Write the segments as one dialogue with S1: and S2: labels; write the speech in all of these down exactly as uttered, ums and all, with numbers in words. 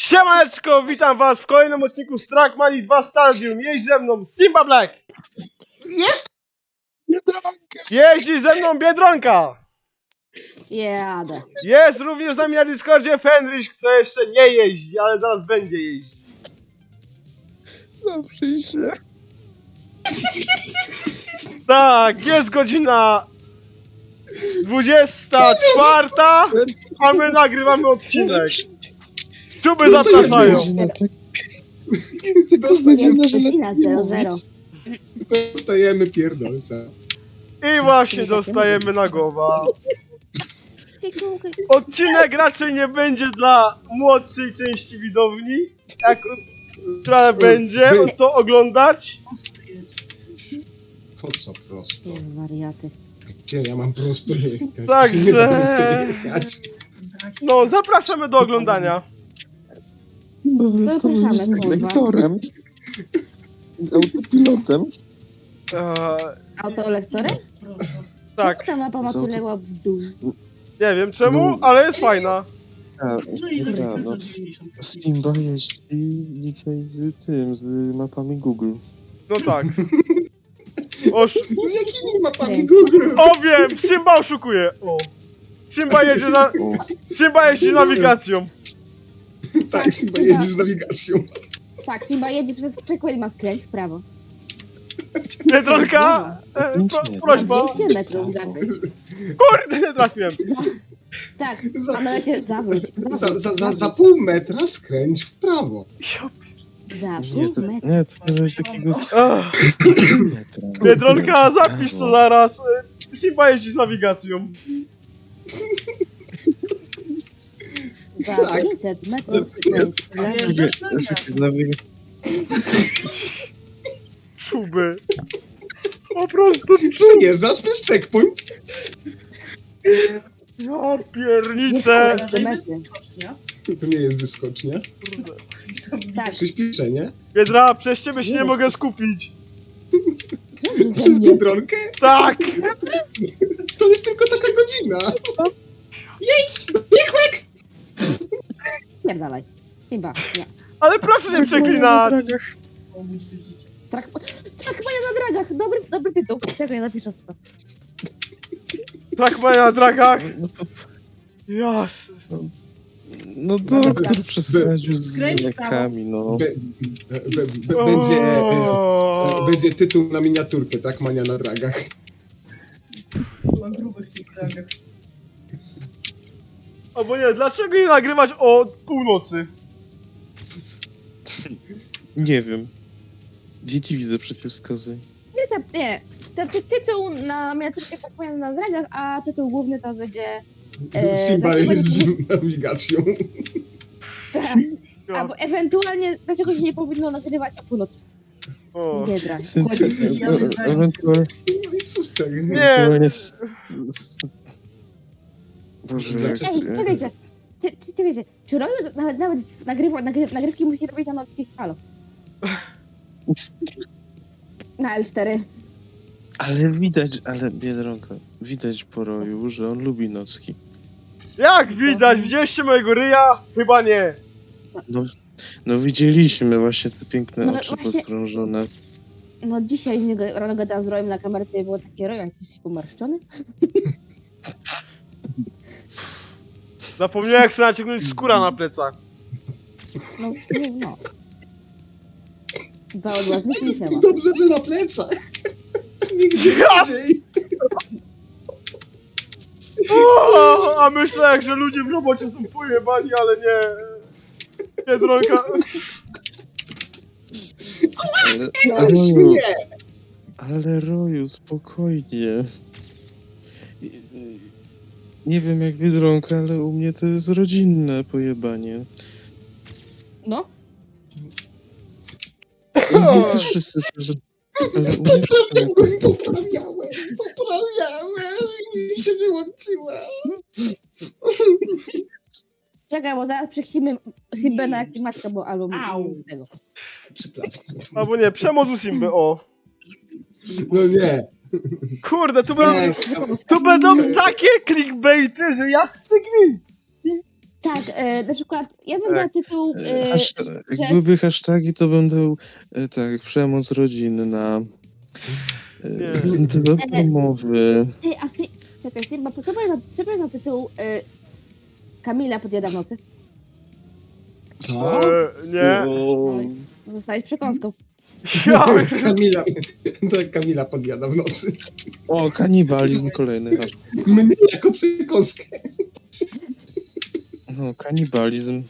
S1: Siemaneczko, witam was w kolejnym odcinku z Trackmanii dwa Stadium. Jeźdź ze mną Simba Black.
S2: Jest Biedronka.
S1: Jeździ ze mną Biedronka.
S3: Jadę.
S1: Jest również z nami na Discordzie Fenrich, kto jeszcze nie jeździ, ale zaraz będzie jeździć.
S2: Zaprzyj się.
S1: Tak, jest godzina dwudziesta czwarta, a my nagrywamy odcinek. Czuby zapraszają.
S2: Jest tylko godzina, że lepiej
S3: Godzina
S2: nie
S3: zero
S2: mówić.
S3: zero.
S4: Dostajemy pierdolca.
S1: I właśnie dostajemy na głowę. Odcinek raczej nie będzie dla młodszej części widowni, jak, która będzie to oglądać.
S4: Po co prosto?
S3: Wariaty.
S4: Gdzie ja mam prosto jechać?
S1: Także-
S4: Nie mam prosto jechać.
S1: No, zapraszamy do oglądania.
S2: Bo
S3: Zapraszamy,
S2: z
S3: kurwa.
S2: lektorem. Z autopilotem.
S1: Eee,
S3: Autolektorem?
S1: tak,
S3: Ta mapa ma
S2: Z auto-
S3: tyle łap w dół.
S1: nie wiem czemu,
S2: No.
S1: ale jest fajna.
S2: A, dobra, no. Simba jeździ dzisiaj z tym, z mapami Google.
S1: No tak. Osz...
S4: Z jakimi mapami Google?
S1: O wiem, Simba oszukuje. O. Simba jedzie na...
S2: O,
S1: Simba jeździ z nawigacją.
S4: Tak, chyba jeździ z nawigacją.
S3: Tak, Simba jedzie przez przekład i ma skręć w prawo.
S1: Biedronka, e, pro, prośba.
S3: dwieście metrów zakręć.
S1: Kurde, nie trafiłem.
S3: Tak,
S4: Za-
S3: a nawet zawróć.
S4: Za,
S3: Zawróć.
S4: za, za, za pół metra skręć w prawo.
S3: Za
S2: nie,
S3: pół
S2: to,
S3: metra.
S2: nie, to nie jest takiego
S1: Ech,
S2: metra.
S1: Biedronka, zapisz to zaraz. E, Simba jeździ z nawigacją.
S3: Za
S4: Tak.
S3: pięćset metrów skręć w lewo.
S1: Czuby. Po prostu czuby.
S4: Przejeżdżasz przez checkpoint.
S1: Ja
S3: Nie
S1: pierniczę.
S3: S M S-y.
S4: To nie jest wyskocznia.
S3: Tak,
S4: Przyspieszenie.
S1: Biedra, przez ciebie się nie mogę skupić.
S3: dobrze ze
S4: Przez
S3: mnie.
S4: Biedronkę.
S1: Tak.
S4: To jest tylko taka godzina.
S3: Pierdalaj. Simba, nie.
S1: Ale proszę nie przeklinać.
S3: Trak... Trackmania na dragach! Dobry, dobry tytuł. Czekaj, napiszę to.
S1: Trackmania na dragach.
S2: No, to,
S1: Jas.
S2: no doktor przesadził z lekami, no.
S4: Be, be, be, be, będzie, e,
S1: O.
S4: będzie tytuł na miniaturkę, tak? Mania na dragach.
S5: Mam grubych w tych kręgach.
S1: Albo nie, dlaczego nie nagrywać o północy?
S2: Nie wiem. Dzieci widzę przeciwwskazy.
S3: Nie, ta, nie. To, ty, tytuł na miniaturkę Trackmania na dragach, a tytuł główny to będzie... E,
S4: Simba
S3: dlaczego
S4: jeździ
S3: nie-
S4: z nawigacją.
S3: Tak. Albo ewentualnie, dlaczego się nie powinno nagrywać o północy?
S1: O.
S3: Nie drag.
S2: Syn-
S5: Chodzi,
S2: e-
S5: jadę
S2: e-
S5: za-
S2: Ewentualnie...
S4: No i co z tego?
S1: Nie.
S2: ewentualnie s- s- Boże, jak...
S3: Ej, czekajcie. Czy, czy, czy wiecie, czy robią nawet, nawet nagrywa, nagry, nagrywki musi robić na nockich halo? Na L cztery.
S2: Ale widać, ale Biedronka, widać po roju, że on lubi nocki.
S1: Jak widać, widzieliście mojego ryja? Chyba nie.
S2: No, no widzieliśmy właśnie te piękne
S3: No
S2: oczy
S3: właśnie-
S2: podkrążone.
S3: No dzisiaj z niego rano gadałam z Rojem na kamerce i było takie, Rojan, jesteś pomarszczony?
S1: Zapomniałem jak sobie naciągnąć skóra na plecach.
S3: No, no, no. Dwa odważniki i siema.
S4: Dobrze, że na plecach. Nigdzie
S1: Ja-
S4: indziej.
S1: O, a myślę, że ludzie w robocie są pojebani, ale nie. Biedronka.
S2: Ale,
S4: No,
S2: Roju,
S4: nie.
S2: ale Roju, spokojnie. Nie wiem jak Biedronka, ale u mnie to jest rodzinne pojebanie.
S3: No,
S2: U mnie też wszyscy... że- Ale u mnie wszyscy...
S4: Poprawiałem, poprawiałem i mi się wyłączyła.
S3: czekaj, bo zaraz przechcimy Simbę na jakieś matkę, bo albo
S5: Au.
S3: tego.
S4: Przepraszam.
S1: Albo nie, przemoc u Simby, o.
S4: No nie.
S1: Kurde, tu będą,
S4: Nie,
S1: tu będą takie clickbaity, że jasny gwint.
S3: Tak, e, na przykład ja bym
S1: Tak.
S3: dała tytuł...
S2: E,
S3: E,
S2: Hashtag,
S3: że-
S2: jak byłyby hasztagi, to będą e, tak, przemoc rodzinna,
S1: Nie.
S2: e, zintywa domowy.
S3: ty, a ty, czekaj, Simba, co powiesz na, co powiesz na tytuł e, Kamila podjada w nocy?
S4: Co?
S1: E, nie.
S2: O,
S3: Zostałeś przekąską.
S1: Ja,
S4: Kamila, to jak Kamila podjada w nocy.
S2: o, kanibalizm kolejny hashtag.
S4: Mnie jako przekąskę.
S2: No, kanibalizm.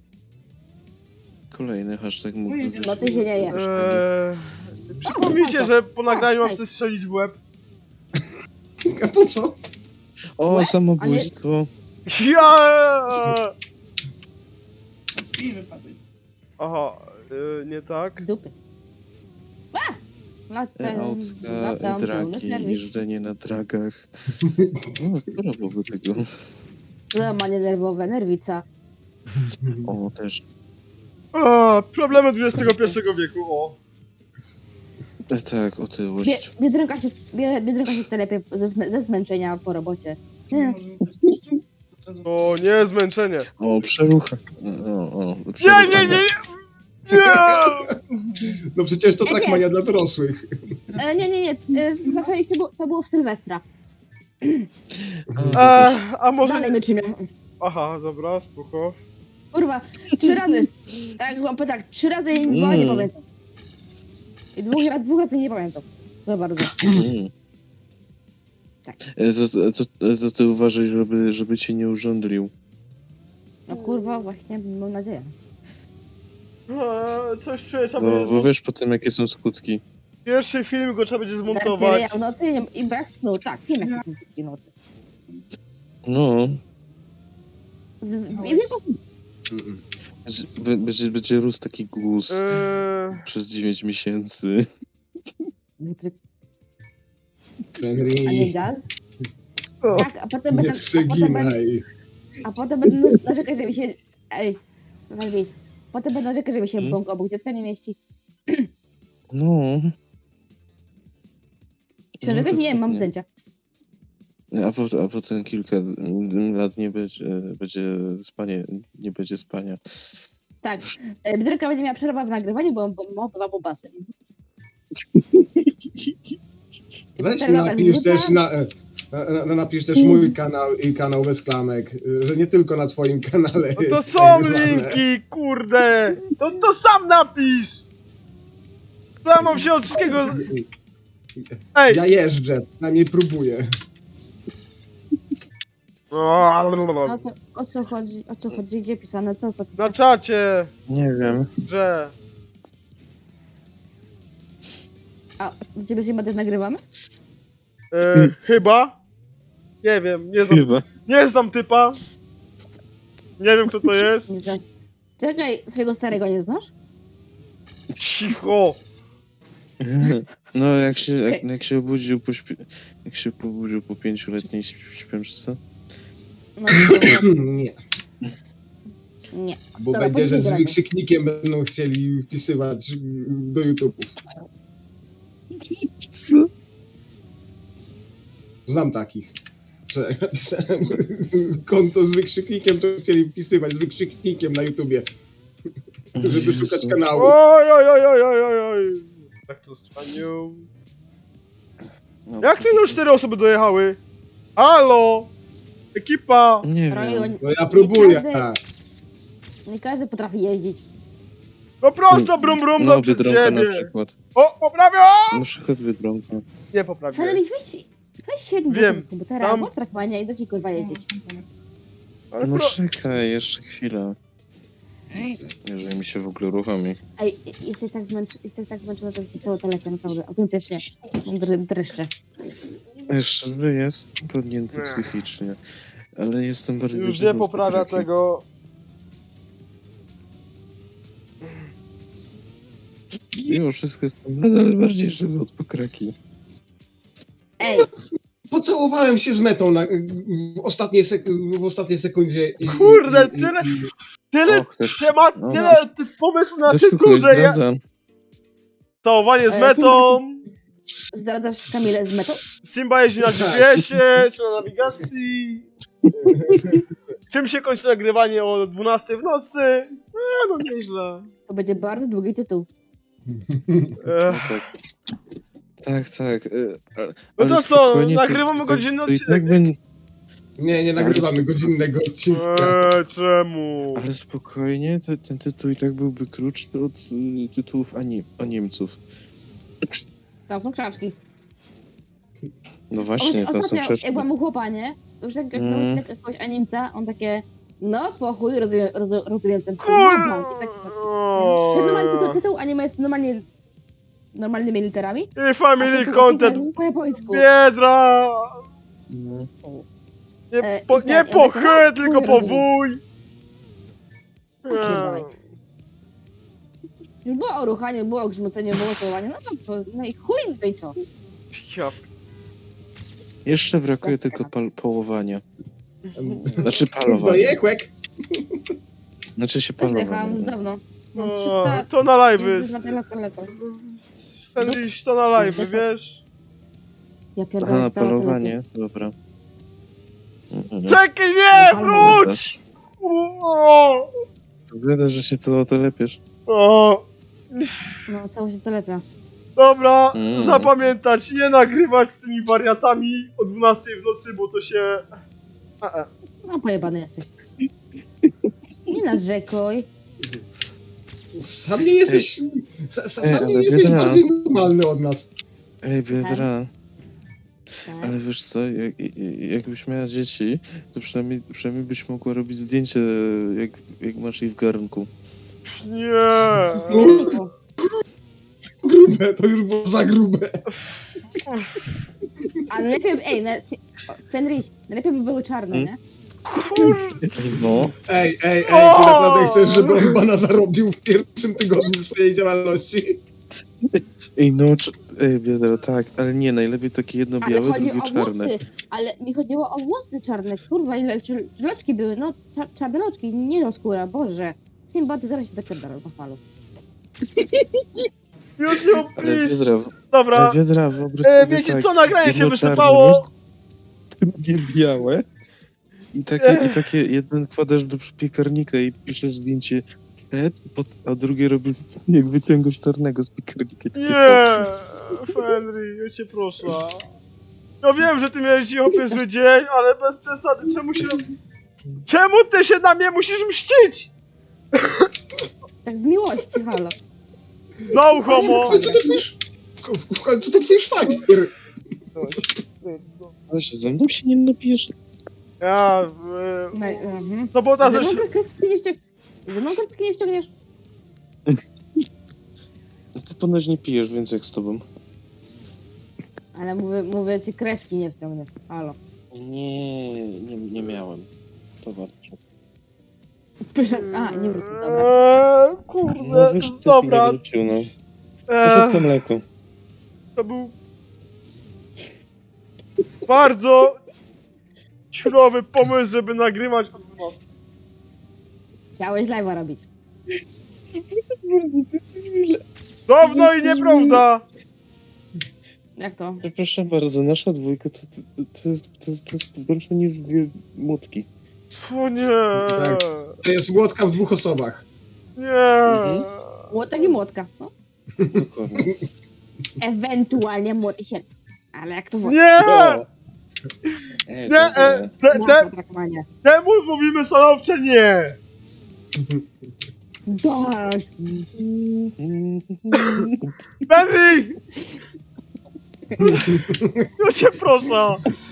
S2: Kolejny hashtag mógłby być.
S3: No ty się nie je.
S1: e, przypomnijcie, że po nagraniu mam coś strzelić w łeb.
S4: A po co?
S2: O,
S3: Łe?
S2: samobójstwo.
S1: Ja!
S5: I wypadłeś.
S1: Aha, e, nie tak.
S3: Z dupy. A! No,
S2: E,
S3: ten,
S2: Autka,
S3: tam, pełny
S2: dragi,
S3: serwis.
S2: jeżdżenie na dragach. No, sporo byłoby tego.
S3: Złamanie nerwowe, nerwica.
S2: O, też.
S1: A, problemy dwudziestego pierwszego wieku, o.
S2: E, tak,
S3: Bie,
S2: otyłość.
S3: biedronka się, bie, biedronka się telepie ze, zmę- ze zmęczenia po robocie. Nie.
S1: O, nie, zmęczenie.
S2: O, przerucha. O, o,
S1: Nie, nie, nie, nie! Nie!
S4: No przecież to
S3: Nie, nie.
S4: Trackmania dla dorosłych.
S3: E, nie, nie, nie. E, chyba to, było, to było w Sylwestra.
S1: A, a może...
S3: Dalej my czymią.
S1: Aha, dobra, spoko.
S3: Kurwa, trzy razy. Tak, chłopie, tak, trzy razy i dwa nie
S2: Mm.
S3: pamiętam. I dwóch, raz- dwóch razy nie pamiętam. Za bardzo.
S2: Mm.
S3: Tak.
S2: E, To, to, to, to ty uważaj, żeby, żeby cię nie urządlił.
S3: No kurwa, właśnie, mam nadzieję.
S1: A, coś czuję, trzeba
S2: Bo,
S1: będzie...
S2: bo
S1: zmon-
S2: wiesz potem, jakie są skutki.
S1: Pierwszy film go trzeba będzie zmontować.
S3: Narcyria w nocy i, nie- i brak snu. Tak, wiem jakie są skutki nocy.
S2: No,
S3: Z- z- Wiem, jaką-
S4: Mm-mm.
S2: będzie, będzie, będzie rósł taki guz
S1: Eee,
S2: przez dziewięć miesięcy.
S3: a nie
S4: Henry,
S3: gaz.
S1: co?
S3: Tak, a potem
S4: nie
S3: będę, a potem będę,
S4: przeginaj.
S3: a potem będę narzekać, że mi się... Ej, Walwis. Potem będę narzekać, że mi się
S2: Hmm?
S3: bąk obok dziecka nie mieści.
S2: No.
S3: Książek nie wiem, mam
S2: dokładnie.
S3: zdjęcia.
S2: A, po, a potem kilka lat nie będzie, będzie spanie, nie będzie spania.
S3: Tak. E, Biedronka będzie miała przerwę w nagrywaniu, bo bo ma dwa bobasy.
S4: Weź
S3: Teraz
S4: napisz
S3: minuta.
S4: też, na, e, na, na, napisz też mój kanał i kanał bez klamek, e, że nie tylko na twoim kanale
S1: No to
S4: jest
S1: są
S4: nagrywane.
S1: linki, kurde! To, to sam napisz! To ja mam się od wszystkiego... Ej!
S4: Ja jeżdżę, przynajmniej próbuję.
S3: O co, o co chodzi? O co chodzi? Gdzie pisane? Co to?
S1: Na czacie,
S2: Nie wiem.
S1: że...
S3: A gdzie my się też nagrywamy?
S1: E, chyba? Nie wiem, nie znam,
S2: Chyba.
S1: nie znam typa. Nie wiem kto to jest.
S3: Nie znasz. Czekaj, swojego starego nie znasz?
S1: Cicho!
S2: No, jak się, jak, jak się obudził po śpi- jak się pobudził po pięcioletniej śp- śpiączce?
S3: No nie.
S4: Nie,
S3: Nie.
S4: bo
S3: Dobra,
S4: będzie, że z
S3: podzielę.
S4: wykrzyknikiem będą chcieli wpisywać mm, do YouTube'ów.
S2: Co?
S4: Znam takich, że jak napisałem konto z wykrzyknikiem, to chcieli wpisywać z wykrzyknikiem na YouTubie, żeby szukać kanału.
S1: Oj, oj, oj, oj, oj, oj, oj. Tak to spaniu.
S2: No,
S1: Jak to już cztery osoby dojechały? Halo! Ekipa!
S2: Nie
S3: Robiło-
S2: wiem.
S4: No ja próbuję.
S3: Nie każdy- Nie każdy potrafi jeździć.
S1: No prosto brum brum
S2: No,
S1: do przed
S2: Biedronka na
S1: siebie!
S2: przykład.
S1: O, poprawiam!
S2: Na przykład Biedronka.
S1: Nie poprawię.
S3: Federik, weź, weź siedź do
S1: Wiem.
S3: tego komputera,
S1: Tam-
S3: włącz Trackmania i da ci kurwa jeździć.
S1: Ale
S2: No
S1: pro...
S2: czekaj, jeszcze chwila. Jeżeli mi się w ogóle uruchomi.
S3: Ej, jesteś tak, zmęczy, jesteś tak zmęczony, że mi się cało to lecie, naprawdę, autentycznie. Mam dr- dreszcze.
S2: Jeszcze że jest podnięty
S1: Ech.
S2: psychicznie. Ale jestem bardziej...
S1: Już nie poprawia
S2: taki-
S1: tego.
S2: Mimo wszystko jestem nadal bardziej żywy od pokraki.
S3: Ej,
S4: Pocałowałem się z metą na, w, ostatniej sek- w ostatniej sekundzie. I,
S1: Kurde,
S4: i, i,
S1: tyle-
S4: i,
S1: Tyle
S2: Och, też-
S1: temat,
S2: no,
S1: tyle ty, pomysłów na
S2: Też tu
S1: tytuł,
S2: kogoś
S1: że ja...
S2: zdradza.
S1: Całowanie z
S3: E,
S1: metą,
S3: zdradzasz Kamilę z metą?
S1: Simba jeździ na G P S ie, czy na nawigacji. Czym się kończy nagrywanie o dwunastej w nocy? E, no nieźle.
S3: To będzie bardzo długi tytuł.
S1: E,
S2: No tak. Tak, tak. y, a-
S1: no
S2: ale
S1: to co,
S2: spokojnie,
S1: nagrywamy
S2: to,
S1: godzinny
S2: to i
S1: odcinek.
S2: tak będzie.
S4: Nie, nie nagrywamy godzinnego odcinka.
S1: Eee, czemu?
S2: Ale spokojnie, te, ten tytuł i tak byłby krótszy od y, tytułów anim, o Niemców.
S3: Tam są książki.
S2: No właśnie, tam są
S3: Ostatnio,
S2: przeszkody.
S3: jak byłam u chłopa, nie? Już jak
S2: Mm.
S3: mm. jakiegoś animca, on takie, no po chuj, rozumiem, rozumiem, rozumiem ten tytuł.
S1: Kur...
S3: No, i tak, to jest normalnie tylko tytuł, a nie jest normalnie normalnymi literami.
S1: I
S3: A
S1: family
S3: tytuł
S1: content.
S3: jest po japońsku.
S1: Biedra!
S2: No.
S1: Nie
S3: E,
S1: po,
S3: i
S1: nie
S3: tak,
S1: po
S3: ja tak,
S1: chy,
S3: no,
S1: tylko
S3: chuj
S1: po
S3: rozumiem.
S1: wuj.
S3: Pierdolaj.
S1: Eee.
S3: Już było o ruchaniu, było o grzmoceniu, było całowanie, no to, no i chuj, no i co?
S1: Ja
S2: Jeszcze brakuje
S3: Tak,
S2: tylko
S3: tak.
S2: pal połowania. Znaczy
S4: Kurwa,
S2: palowania.
S4: jekłek!
S2: Znaczy się
S3: Też jechałam
S2: palowania.
S3: już dawno. Mam
S1: O,
S3: trzysta...
S1: to na live
S3: jest
S1: jest.
S3: na tyle, tyle, to.
S1: Fenris, to na live, wiesz?
S3: Ja
S2: Aha,
S3: pierdolę.
S2: na
S3: to- to-
S2: palowanie? Dobra. Mhm.
S1: Czekaj, nie, wróć! O,
S2: Wygląda, że się co to lepiesz.
S1: o.
S3: No, cało się telepia.
S1: Dobra,
S2: Mm.
S1: zapamiętać, nie nagrywać z tymi wariatami o dwunastej w nocy, bo to się... A, a.
S3: No, pojebany jesteś. Nie narzekaj.
S4: Sam nie jesteś... Sa, sa,
S2: Ej,
S4: sam nie
S2: ale
S4: jesteś
S2: Biedra.
S4: bardziej normalny od nas.
S2: Ej, Biedra,
S3: Tak.
S2: ale wiesz co, jak, jakbyś miała dzieci, to przynajmniej, przynajmniej byś mogła robić zdjęcie, jak, jak masz jej w garnku.
S1: Nie.
S3: Niku.
S4: Grube, to już było za grube.
S3: Ale lepiej, ej, na, Fenris, najlepiej by były czarne,
S2: Hmm?
S3: nie?
S2: No.
S4: Ej, ej, ej, ty
S1: O!
S4: naprawdę chcesz, żeby on bana zarobił w pierwszym tygodniu swojej działalności?
S2: Ej, no, cz- ej, Biedra, tak, ale nie, najlepiej takie jedno
S3: Ale
S2: białe,
S3: chodzi
S2: drugie
S3: o
S2: czarne.
S3: włosy, ale mi chodziło o włosy czarne, kurwa, ile czy- loczki były, no, cza, czarne loczki, nie no skóra, boże. Simba, zaraz się dopierdolę na falu.
S1: YouTube,
S2: Ale
S1: please.
S2: Biedra,
S1: Dobra,
S2: ale Biedra, wyobraź
S1: e,
S2: sobie
S1: wiecie
S2: tak,
S1: co, nagranie się
S2: jedno czarne,
S1: wysypało.
S2: drugie białe i takie, i takie jeden wkładasz do piekarnika i piszesz zdjęcie przed, pod, a drugie robisz jak wyciągasz czarnego z piekarnika. takie
S1: Nie, Fenry, ja cię proszę. Ja wiem, że ty miałeś dzisiaj chłopie zły dzień, ale bez przesady, czemu się... Czemu ty się na mnie musisz mścić?
S3: Tak z miłości, halo.
S1: No
S4: W
S1: homo!
S4: końcu to twój... W końcu to twój szwagier.
S2: Ale się ze mną się nie napijesz.
S1: Ja...
S3: No,
S1: E,
S3: mhm.
S1: no bo ta
S3: Ze
S1: też...
S3: mną kredki nie ściągniesz. Ze mną kredki nie ściągniesz.
S2: No to ponoć nie pijesz, więc jak z tobą.
S3: Ale mówię, mówię ci, kreski nie wciągniesz, halo.
S2: Nie, nie, nie miałem. To warto.
S3: Pyszek, a, nie wrócił, dobra.
S1: Eee, kurde,
S2: wiesz, ty
S1: dobra.
S2: nie wrócił, no. Poszedł
S1: Eee,
S2: mleko.
S1: to był... Bardzo... Ciurowy pomysł, żeby nagrywać o dwunastej.
S3: Chciałeś live'a robić.
S2: Bardzo bystyczne.
S1: Dawno i nieprawda!
S3: Jak to?
S2: Proszę bardzo, nasza dwójka to, to, to, to, jest, to, jest, to jest gorsze niż dwie młotki.
S1: O nie!
S4: Tak. To jest łódka w dwóch osobach.
S1: Nie!
S2: Mhm.
S3: Młotek i młotka, no.
S2: Dokładnie.
S3: Ewentualnie młot i sierp. Ale jak to włoży?
S1: Nie!
S2: No. Ej,
S1: Nie! E, te, te,
S3: Trakowanie.
S1: temu mówimy stanowcze nie!
S3: Tak.
S1: Benry! Ja cię proszę!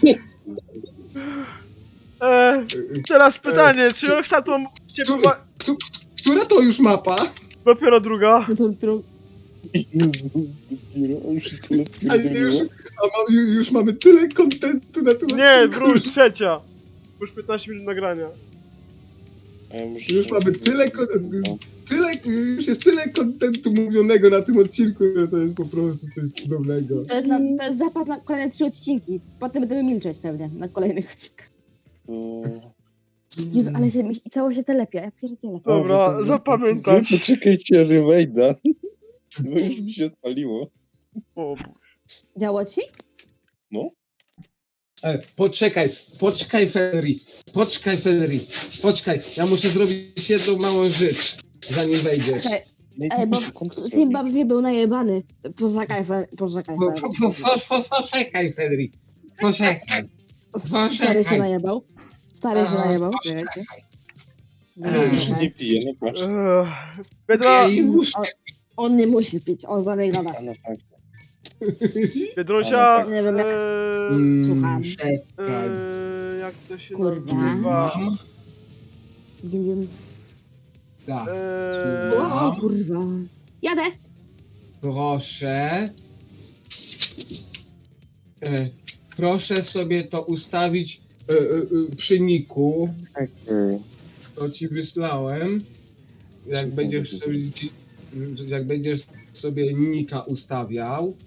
S1: E, teraz pytanie, czy Oxatom cię była...
S4: Która to już mapa?
S1: Dopiero druga.
S2: Jezu, dopiero, już się tyle
S4: A już,
S2: pierdoliło.
S4: a ma, ju- już mamy tyle kontentu na tym
S1: Nie,
S4: odcinku.
S1: wróć, trzecia. Już piętnaście minut nagrania.
S2: A ja muszę-
S4: Już mamy tyle, kon- tyle, już jest tyle kontentu mówionego na tym odcinku, że to jest po prostu coś cudownego.
S3: To jest, na, to jest zapas na kolejne trzy odcinki. Potem będziemy milczeć pewnie na kolejnych odcinkach.
S2: O.
S3: Jezu, ale się, mi- cało się telepia, ja pierdzielę.
S1: Dobra,
S2: Wy- wy-
S1: zapamiętać.
S2: wy Poczekajcie, aż ja wejdę. Bo już mi się odpaliło.
S1: O,
S3: Działo ci?
S4: E, poczekaj, poczekaj Federy, poczekaj Federy, poczekaj, ja muszę zrobić jedną małą rzecz, zanim wejdziesz.
S3: Czekaj, ej, bo Zimbabwe był najebany. Poczekaj, Fe- poczekaj.
S4: Po, po, po, po, po, poczekaj Federy, poczekaj,
S3: Stary się
S4: poczekaj.
S3: najebał. Stary się
S4: A,
S3: najebał.
S4: poczekaj.
S3: Czekajcie.
S2: Nie piję, no patrz.
S1: Ech, Biedra,
S4: Ej, muszę.
S3: On nie musi pić, on za mnie gada.
S2: A no fakt.
S1: Biedrosia,
S3: Nie wiem, jak-
S1: eee,
S4: Mm,
S3: Słucham.
S4: czekaj.
S1: eee, jak to się
S3: Kurwa.
S1: nazywa?
S4: Mam.
S3: Idziemy, idziemy.
S4: Tak,
S1: Eee,
S3: O kurwa. Jadę.
S4: proszę. E, proszę sobie to ustawić e, e, e, przy niku,
S2: Okej.
S4: to ci wysłałem. Jak będziesz sobie, jak będziesz sobie nika ustawiał,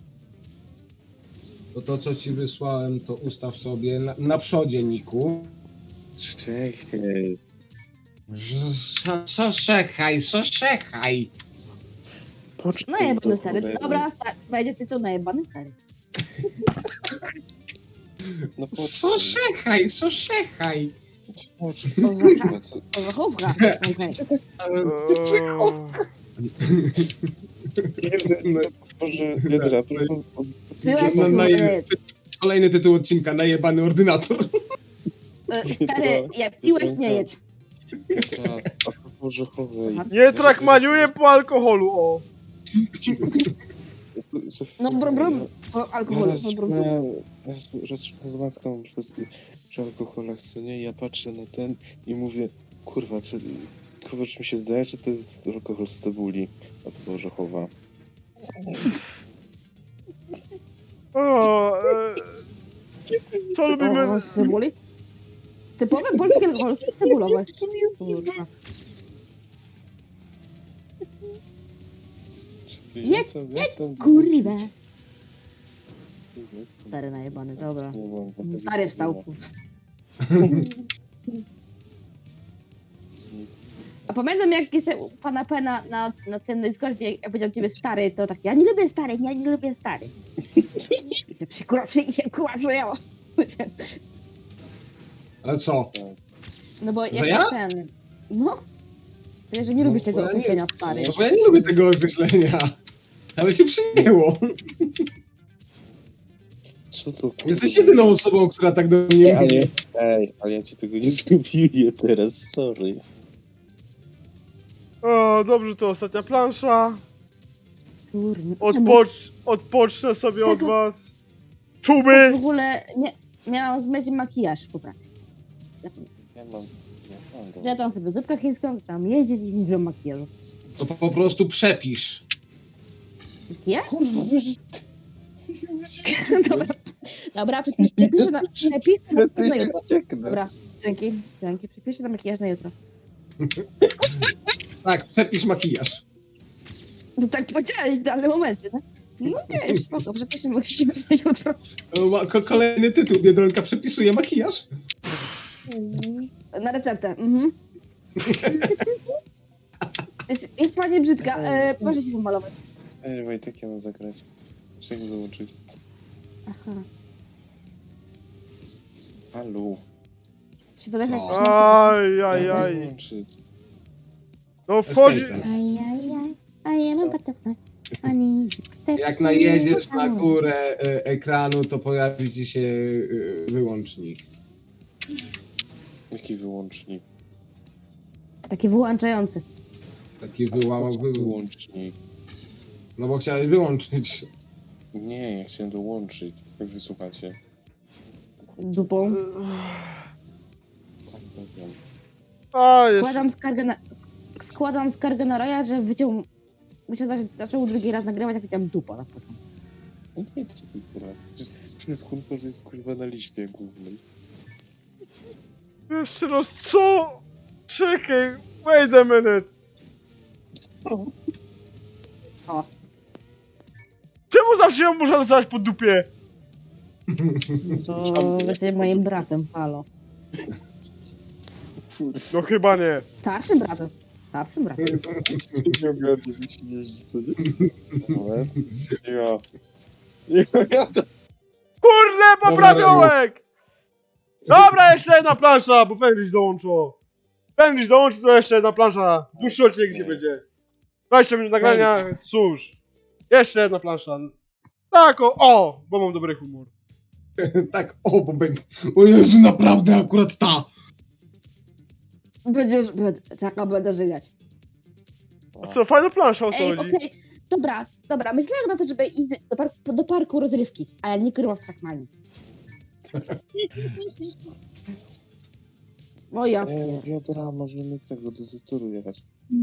S4: to to co ci wysłałem, to ustaw sobie na, na przodzie niku.
S2: Czekaj.
S4: Co, co czekaj, co czekaj?
S2: Poczekaj.
S3: Najebany
S2: do
S3: stary.
S2: cholery.
S3: Dobra, sta- będzie tytuł najebany stary.
S2: No
S4: Co
S2: poczekaj.
S4: czekaj, co czekaj?
S2: Poczekaj.
S3: O,
S2: Kurwa, co-
S3: O, zachówka. Okej.
S1: eee,
S2: Boże, Biedra, proszę.
S3: Byłeś
S4: No, no,
S3: kurde.
S4: Kolejny tytuł odcinka, najebany ordynator.
S3: E, Stary, jak piłeś, nie jedź.
S2: Biedra, a Boże, chowej.
S1: Nie trakmaniuję po alkoholu, o.
S3: No brum brum. O, alkohol.
S2: Raz
S3: No, brum, brum.
S2: raz z matką wszystkim przy alkoholach, co nie? Ja patrzę na ten i mówię, kurwa, czy, kurwa, czy mi się wydaje, czy to jest alkohol z cebuli, a to orzechowa.
S1: o eee, co lubimy?
S3: O, z cebuli? Typowe polskie alkohol, cebulowe. Kurwa. Jedź, jedź, kurwa. Stary najebany, dobra. Stary wstał. A pamiętam jak jeszcze u pana Pena na, na tym Discordzie, jak powiedział ciebie stary, to tak, ja nie lubię stary, ja nie lubię stary. I się przykura, i się kurwa.
S4: Ale co?
S3: No bo
S4: Że
S3: jak
S4: ja?
S3: ten, no. Wiesz, że nie lubisz
S4: No,
S3: tego
S4: bo ja nie-
S3: określenia stary.
S4: No bo ja nie lubię tego określenia. Ale się przyjęło.
S2: Co to kurwa?
S4: Jesteś jedyną osobą, która tak do mnie
S2: Nie, ale,
S4: mówi.
S2: ej, ale ja ci tego nie zrobię teraz, sorry.
S1: O, dobrze, to ostatnia plansza.
S3: Kurwa. czemu?
S1: Odpocz, odpocznę sobie od
S3: Tak.
S1: was.
S3: W
S1: Czuby!
S3: ogóle nie, miałam zmyć makijaż po pracy. Zapomniałam.
S2: Ja mam, ja mam go.
S3: Zjadłam sobie zupkę chińską, zaczęłam jeździć i nie zrobiłam makijażu.
S4: To po, po prostu przepisz.
S3: Ja?
S2: Kurwa, wiesz,
S3: Dobra, dobra, przepisz, przepiszę na, przepiszę na makijaż na jutro.
S2: Dobra.
S3: Dobra, dzięki, dzięki, przepiszę na makijaż na jutro.
S4: Tak, przepisz makijaż.
S3: No tak powiedziałeś w danym momencie, tak? No nie, spoko, przepiszę makijaż na jutro.
S4: O, ma- ko- Kolejny tytuł, Biedronka przepisuje makijaż.
S3: Na receptę, mhm. Jest, jest pani brzydka, e, proszę się pomalować.
S2: Ej, Wojtek, ja mam zagrać. Czego wyłączyć?
S3: Aha.
S2: Halo.
S3: Czy to jakaś
S4: Co?
S3: śmieszna?
S1: Aj, aj,
S2: Jak
S1: aj.
S2: wyłączyć?
S1: No wchodzi...
S4: Escape.
S3: Aj, aj, aj, I am a butterfly. I need to
S4: Jak najedziesz na górę e, ekranu, to pojawi ci się e, wyłącznik.
S2: Jaki wyłącznik?
S3: Taki wyłączający.
S4: Taki wyłamał, wy...
S2: Wyłącznik.
S4: No bo chciałeś wyłączyć.
S2: Nie, ja chciałem dołączyć. Jak wysłuchacie.
S3: Dupą.
S1: A, jest...
S3: Składam skargę na, sk- składam skargę na Roya, że wyciął... Myślę, że zaczął drugi raz nagrywać, jak powiedziałam dupa na początku.
S2: No nie, kurwa. Przecież kurwa jest kurwa na liście głównej.
S1: Jeszcze raz, co? Czekaj, wait a minute.
S3: O.
S1: Czemu zawsze ją muszę dostawać po dupie?
S3: To jesteś moim bratem, halo.
S1: No chyba nie.
S3: Starszym bratem. Starszym bratem.
S2: Nie ogarnę, że się jeździ, co nie? Ale... Ja... Ja jadę.
S1: Kurde! Kurde, poprawiołek! Dobra, jeszcze jedna plansza, bo Fenris dołączył. Fenris dołączył, to jeszcze jedna plansza. Dłuższy odcinek się będzie. dwadzieścia minut nagrania, cóż. Jeszcze jedna plansza. Tak, o, o, bo mam dobry humor.
S4: Tak, o, bo będzie... O Jezu, naprawdę akurat ta!
S3: Będziesz, będę, czekaj, będę żygać.
S1: A co, fajna plansza o to
S3: Ej,
S1: chodzi.
S3: okej, dobra, dobra, myślałem na to, żeby iść do, par do parku rozrywki, ale nie kurwa w Trackmanie. O ja,
S2: Ej, wiadra, możemy tego do Zatoru jechać.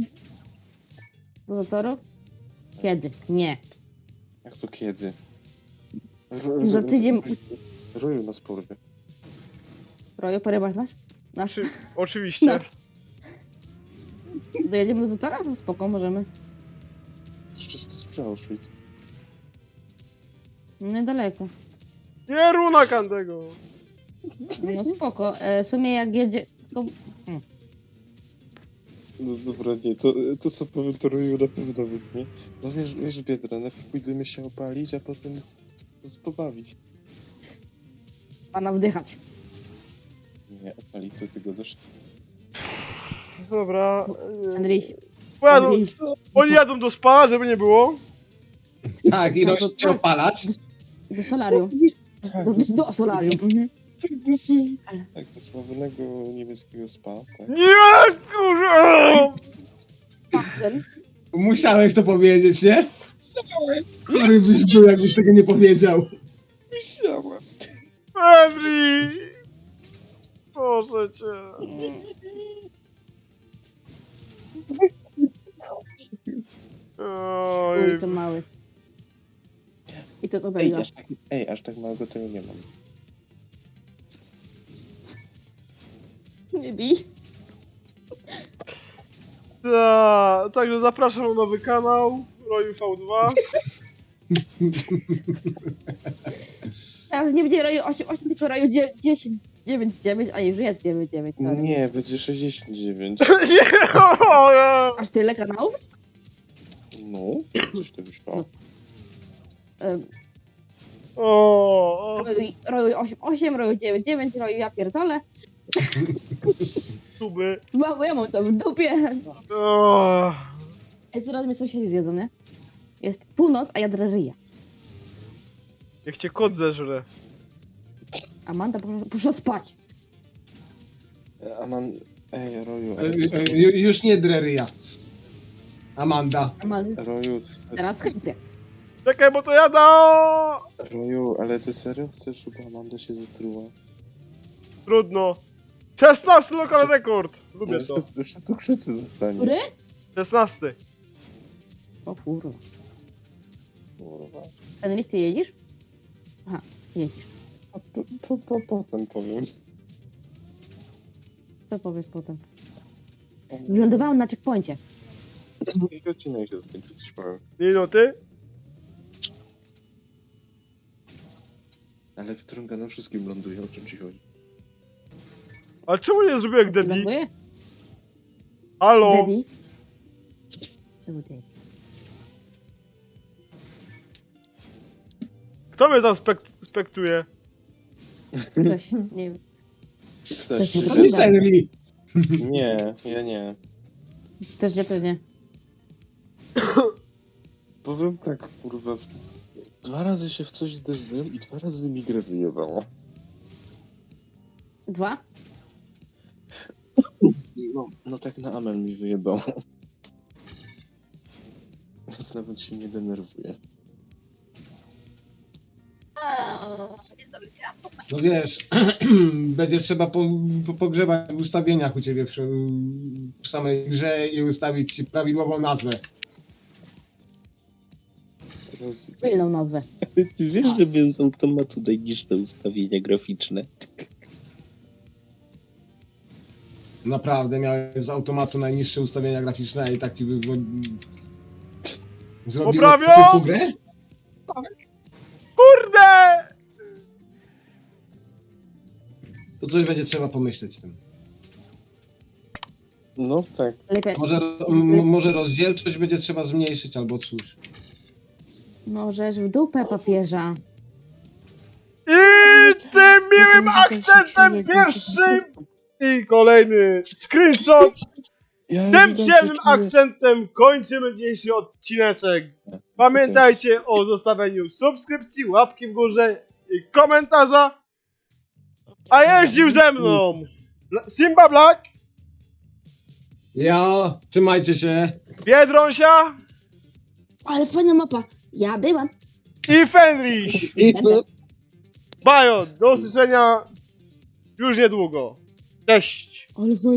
S3: do zatoru? Kiedy? Nie.
S2: Jak to kiedy? Ro-
S3: Za tydzień-
S2: Roju nas porwie.
S3: Roju, porywasz nasz? Nasz?
S1: Oczy, oczywiście.
S3: No. Dojedziemy do zatora? No spoko, możemy.
S2: Jeszcze to jest przy Auschwitz.
S3: Niedaleko.
S1: Nie runa Kandego.
S3: No spoko. E, w sumie jak jedzie... To...
S2: No dobra, nie, to, to co powiem, to Roju na pewno wytnie. No wiesz, wiesz, Biedra, najpierw pójdziemy się opalić, a potem z- pobawić.
S3: Pana wdychać.
S2: Nie, opalić, co ty gadasz?
S1: Dobra. e,
S3: Andryś.
S1: Pojadą,
S3: Andryś.
S1: oni jadą do spa, żeby nie było.
S4: Tak, i
S3: No to
S4: rośnie
S3: tak.
S4: opalać.
S3: Do solarium. Do, do, do solarium. Mhm.
S2: Tak, dosłownie. Tak, do sławnego niemieckiego spa, tak?
S1: Nie, kurwa!
S3: Faktem.
S4: Musiałeś to powiedzieć, nie? Który byś był, jakbyś tego nie powiedział.
S2: Musiałem.
S1: Henry! Proszę cię. Oj,
S3: Oj, to mały. I to to
S2: Ej,
S3: będzie.
S2: aż tak, ej, aż tak małego tego nie mam.
S3: Nie bij.
S1: ta, także zapraszam na nowy kanał Roju V dwa.
S3: Teraz nie będzie roju osiem osiem, tylko roju dziesięć dziewięć dziewięć, a już jest dziewięć dziewięć. sorry.
S2: Nie, będzie sześćdziesiąt dziewięć.
S1: Nie, o, ja.
S3: Aż tyle kanałów?
S2: No, coś to wyszło.
S3: Em,
S1: o, o,
S3: Roju, roju osiem osiem, roju dziewięć dziewięć, roju ja pierdolę.
S1: tuby.
S3: Bo ja mam to w dupie.
S1: O,
S3: Ej, zaraz mnie sąsiedzi zjedzą, nie? Jest północ, a ja drażyję.
S1: niech cię kot zeżre.
S3: Amanda, proszę, proszę spać.
S2: A mam... Ej, Roju,
S4: E,
S2: ale ty,
S4: e, ju- Już nie dreryja. Amanda.
S3: Amanda,
S2: Roju, ty serio,
S3: teraz chętnie.
S1: Czekaj, bo to jada!
S2: Roju, ale ty serio chcesz, żeby Amanda się zatruła?
S1: Trudno. szesnasty lokal rekord. Lubię
S2: Może
S1: to.
S2: to, że to krzycy zostanie.
S3: Który?
S1: szesnasty.
S3: O kurwa.
S2: Kurwa.
S3: Ten list ty jedziesz? Aha, jedziesz.
S2: A po, po, po, potem powiem.
S3: Co powiesz potem? Wylądowałem na checkpoincie.
S2: I odcinek się skończy, coś powiem.
S1: Minuty.
S2: Ale w Trungano wszystkim ląduje, o czym ci chodzi?
S1: Ale czemu nie zrobił jak Daddy?
S3: Ląduję?
S1: Halo?
S3: Daddy? Tutaj.
S1: Kto mnie tam spek spektuje?
S3: Ktoś, nie wiem.
S2: Chcesz?
S3: To się
S4: To nie
S3: Prawda.
S4: Henry.
S2: Nie, ja nie.
S3: Też nie, też nie.
S2: Powiem tak, kurwa. Dwa razy się w coś zderzyłem i dwa razy mi grę wyjebało.
S3: Dwa?
S2: No, no tak na Amel mi wyjebało. Więc nawet się nie denerwuję.
S3: Nie doleciałam.
S4: No wiesz, będzie trzeba po, po, pogrzebać w ustawieniach u ciebie przy, w samej grze i ustawić ci prawidłową nazwę.
S2: Teraz...
S3: Tylną nazwę.
S2: Ty wiesz, że wiem z automatu najniższe ustawienia graficzne.
S4: Naprawdę, miałeś z automatu najniższe ustawienia graficzne i tak ci by... Zrobiło
S1: Poprawio!
S4: typu grę?
S1: Kurde!
S4: To coś będzie trzeba pomyśleć z tym.
S2: No tak.
S3: Lepiej.
S4: Może, m- może rozdzielczość będzie trzeba zmniejszyć albo cóż.
S3: Możesz w dupę papieża.
S1: I tym miłym akcentem pierwszym i kolejny screenshot.
S2: Ja
S1: Tym
S2: witam
S1: przyjemnym
S2: się, czuję-
S1: akcentem kończymy dzisiejszy odcineczek. Pamiętajcie o zostawieniu subskrypcji, łapki w górze i komentarza. A jeździł ze mną Bla- Simba Black,
S4: Ja, trzymajcie się.
S1: Biedronsia
S3: Ale fajna mapa. Ja byłam.
S1: i Fenris.
S2: I-
S3: Będę.
S1: Bajo, do usłyszenia już niedługo. Cześć.
S3: Ale fajna.